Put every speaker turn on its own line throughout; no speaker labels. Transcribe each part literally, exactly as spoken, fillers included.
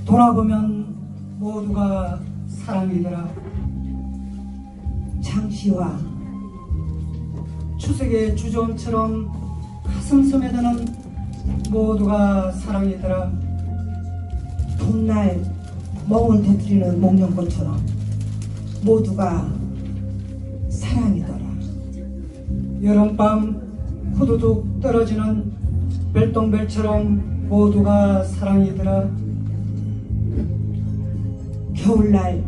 돌아보면 모두가 사랑이더라.
장시와
추석의 주종처럼 가슴 스며드는 모두가 사랑이더라.
봄날 멍을 터뜨리는 목련꽃처럼 모두가 사랑이더라.
여름밤 후두둑 떨어지는 별똥별처럼 모두가 사랑이더라.
겨울날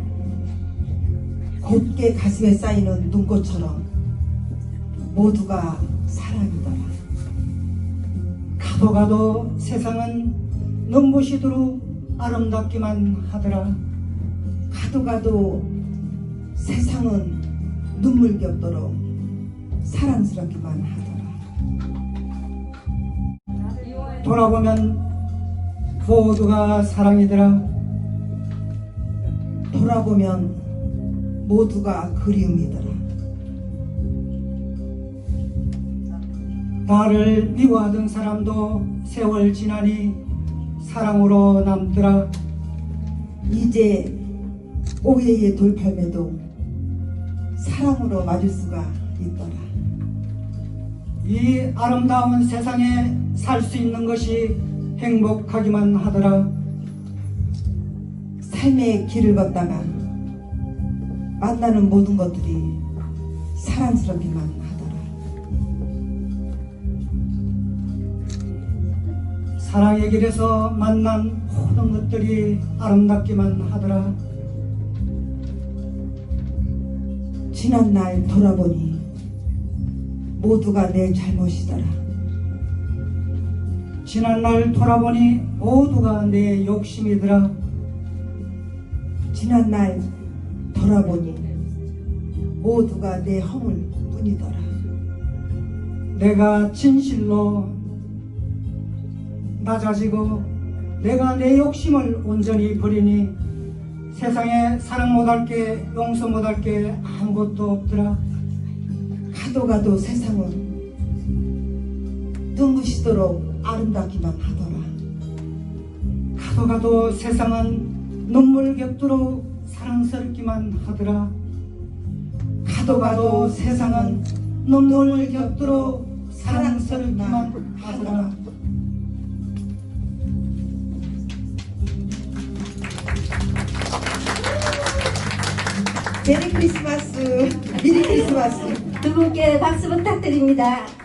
곧게 가슴에 쌓이는 눈꽃처럼 모두가 사랑이더라.
가도 가도 세상은 눈부시도록 아름답기만 하더라.
가도 가도 세상은 눈물겹도록 사랑스럽기만 하더라.
돌아보면 모두가 사랑이더라.
돌아보면 모두가 그리움이더라.
나를 미워하던 사람도 세월 지나니 사랑으로 남더라.
이제 오해의 돌팔매도 사랑으로 맞을 수가 있더라.
이 아름다운 세상에 살 수 있는 것이 행복하기만 하더라.
삶의 길을 걷다가 만나는 모든 것들이 사랑스럽기만 하더라.
사랑의 길에서 만난 모든 것들이 아름답기만 하더라.
지난날 돌아보니 모두가 내 잘못이더라.
지난날 돌아보니 모두가 내 욕심이더라.
지난날 돌아보니 모두가 내 허물 뿐이더라.
내가 진실로 낮아지고 내가 내 욕심을 온전히 버리니 세상에 사랑 못할 게 용서 못할 게 아무것도 없더라.
가도 가도 세상은 눈부시도록 아름답기만 하더라.
가도 가도 세상은 눈물 겹도록 사랑스럽기만 하더라. 가도 가도 세상은 눈물 겹도록 사랑스럽기만 하더라.
메리 크리스마스, 메리 크리스마스.
두 분께 박수 부탁드립니다.